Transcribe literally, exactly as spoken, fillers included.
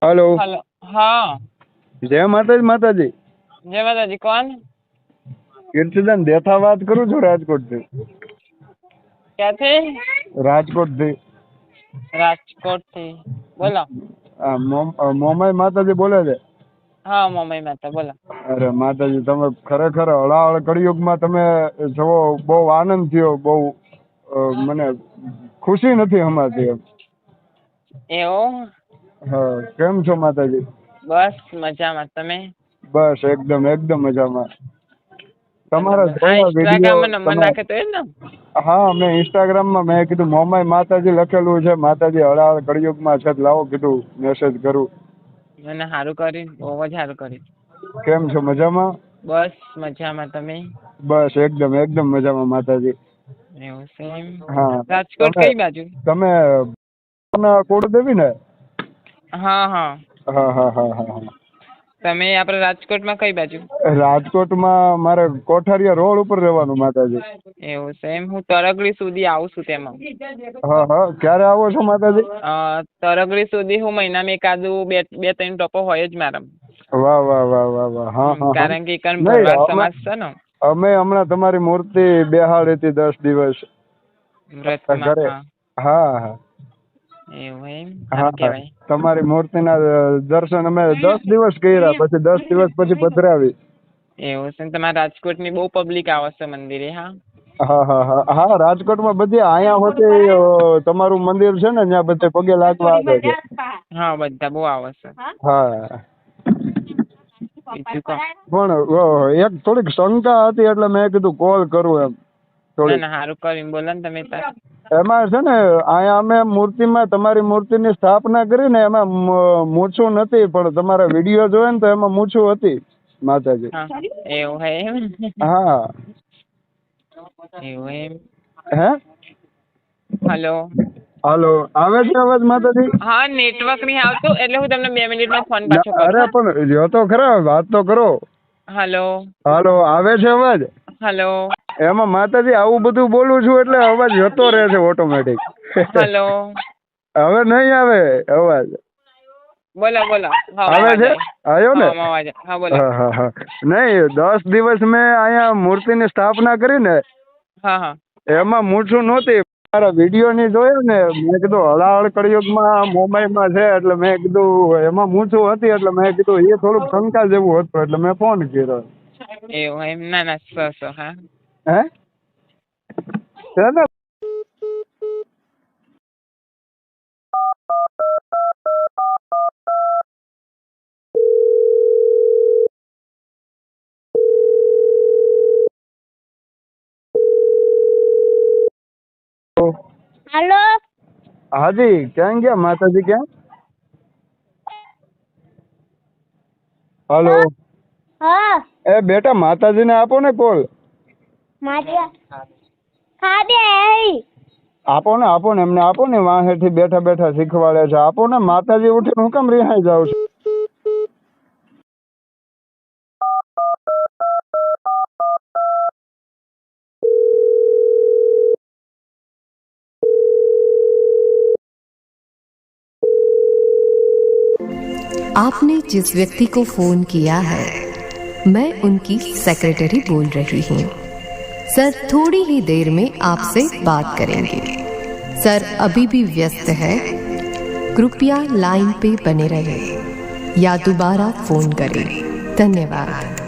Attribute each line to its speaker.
Speaker 1: Hello
Speaker 2: hello. हाँ,
Speaker 1: जय माताजी माताजी
Speaker 2: जय माता जी। कौन?
Speaker 1: કીર્તિદાન દેથા વાત કરું છું રાજકોટ થી
Speaker 2: क्या थे?
Speaker 1: રાજકોટ થી
Speaker 2: राजकोट थी। बोलो।
Speaker 1: આ મોમ- અ, મોમાઈ માતાજી બોલે છે।
Speaker 2: हाँ, मम्मी माता बोलो।
Speaker 1: અરે માતાજી તમે ખરેખર હળાહળ કળિયુગમાં તમે જવો બહુ આનંદ થયો બહુ અ, મને ખુશી નથી હમાતી એમ।
Speaker 2: એવું?
Speaker 1: હા કેમ છો માતાજી?
Speaker 2: बस मजाમાં। તમે?
Speaker 1: બસ એકદમ એકદમ મજામાં। તમારા
Speaker 2: બરાબર। આ
Speaker 1: જોયા વિડીયો
Speaker 2: ઇન્સ્ટાગ્રામમાં નંબર
Speaker 1: તમે
Speaker 2: નાખે તો એ ને?
Speaker 1: હા મેં ઇન્સ્ટાગ્રામમાં મેં કીધું મોમાઈ માતાજી લખેલું છે માતાજી હળાહળ કળિયુગમાં છે તો લાવો કીધું મેસેજ કરું।
Speaker 2: મને સારું કર્યું, બહુ જ સારું કર્યું।
Speaker 1: કેમ છો મજામાં?
Speaker 2: બસ મજામાં। તમે?
Speaker 1: બસ એકદમ એકદમ મજામાં માતાજી।
Speaker 2: એવું છે એમ?
Speaker 1: હા
Speaker 2: રાજકોટ
Speaker 1: તમે
Speaker 2: કઈ બાજુ?
Speaker 1: તમે કુળદેવી ને?
Speaker 2: હા હા।
Speaker 1: હા હા હા હા હા
Speaker 2: તમે આપણે રાજકોટમાં કઈ બાજુ?
Speaker 1: રાજકોટમાં મારે કોઠારિયા રોડ ઉપર રહેવાનું માતાજી।
Speaker 2: એવું છે એમ? હું તરગડી સુધી આવું છું તેમાં।
Speaker 1: હા હા ક્યારે આવો છો માતાજી?
Speaker 2: અ, તરગડી સુધી હું મહિનામાં એકાદું બે બે ત્રણ ટોપો હોય જ મારા।
Speaker 1: વાહ વાહ વાહ વાહ વાહ હા
Speaker 2: હમ,
Speaker 1: હા હા
Speaker 2: કારણ કે એકન
Speaker 1: નહીં
Speaker 2: ભરવાડ
Speaker 1: અમે
Speaker 2: સમાજ છે ને
Speaker 1: અમે હમણાં તમારી મૂર્તિ બેહાડી હતી દસ દિવસ
Speaker 2: વ્રતમાં।
Speaker 1: ઘરે।
Speaker 2: હા,
Speaker 1: હા હા
Speaker 2: એવું એમ?
Speaker 1: હા
Speaker 2: સારું કહેવાય।
Speaker 1: તમારી મૂર્તિના દર્શન અમે દસ દિવસ કર્યા પછી દસ દિવસ પછી પધરાવી।
Speaker 2: એવું છે ને? તમારા રાજકોટની બહુ પબ્લિક આવે છે મંદિરે। હા
Speaker 1: હા હા હા હા રાજકોટમાં બધી અહીંયા હોતે અ, તમારું મંદિર છે ને ત્યાં બધે પગે લાગવા આવે છે।
Speaker 2: હા, બધા બહુ આવે છે।
Speaker 1: હા
Speaker 2: બીજું કહો।
Speaker 1: પણ અ, એક થોડીક શંકા હતી એટલે મેં કીધું કોલ કરું એમ
Speaker 2: ના
Speaker 1: થોડીક।
Speaker 2: ના, સારું કર્યું। બોલો ને તમે તાર।
Speaker 1: એમાં છે ને અહીંયા અમે મૂર્તિમાં તમારી મૂર્તિની સ્થાપના કરી ને એમાં મ- મૂછું નથી પણ તમારા વિડીયો જોયો ને તો એમાં મૂછું હતી માતાજી।
Speaker 2: હા, એવું હે એમ?
Speaker 1: હા
Speaker 2: એવું એમ?
Speaker 1: હે
Speaker 2: હલો।
Speaker 1: હાલો આવે છે અવાજ માતાજી?
Speaker 2: હા, નેટવર્ક નહીં આવતું એટલે હું તમને બે મિનિટમાં ફોન પાછો
Speaker 1: ના,
Speaker 2: કરું।
Speaker 1: અરે
Speaker 2: હા,
Speaker 1: પણ જો તો ખરા વાત તો કરો।
Speaker 2: હલો
Speaker 1: હાલો આવે છે અવાજ?
Speaker 2: હલો
Speaker 1: એમાં માતાજી આવું બધું બોલું છું એટલે અવાજ જતો રહે છે ઓટોમેટિક।
Speaker 2: હલો।
Speaker 1: હવે નહીં આવે અવાજ।
Speaker 2: બોલો બોલો। હા,
Speaker 1: આવે
Speaker 2: અવાજ
Speaker 1: છે?
Speaker 2: આવ્યો।
Speaker 1: આવ્યો ને?
Speaker 2: હા, અવાજ આવ્યો। હા, બોલો।
Speaker 1: હા હા હા નહીં દસ દિવસ મેં અહીંયા મૂર્તિની સ્થાપના કરી ને
Speaker 2: હા હા
Speaker 1: એમાં મૂછું નહોતી મારા વિડીયો ની જોયો ને મેં કીધું હળાહળ કળિયુગમાં મોબાઈલમાં છે એટલે મેં કીધું એમાં મૂછું હતી એટલે મેં કીધું એ થોડુંક શંકા જેવું હતું એટલે મેં ફોન કર્યો।
Speaker 2: એવું એમ? ના ના, સો સો। હા
Speaker 1: હે છે ને
Speaker 3: हेलो।
Speaker 1: हाँ जी ક્યાં ગયા માતાજી ક્યાં? હાલો
Speaker 3: हाँ
Speaker 1: એ બેટા માતાજીને આપો ને કોલ।
Speaker 3: मारिया खा दे आई।
Speaker 1: આપો ને આપો ને એમને આપો ને વાહેથી બેઠા બેઠા શીખવાડે છે આપો ને માતાજી ઉઠીને હું કેમ રિહાઈ જાવ છું?
Speaker 4: आपने जिस व्यक्ति को फोन किया है मैं उनकी सेक्रेटरी बोल रही हूँ। सर थोड़ी ही देर में आपसे बात करेंगे। सर अभी भी व्यस्त है, कृपया लाइन पे बने रहें या दोबारा फोन करें। धन्यवाद।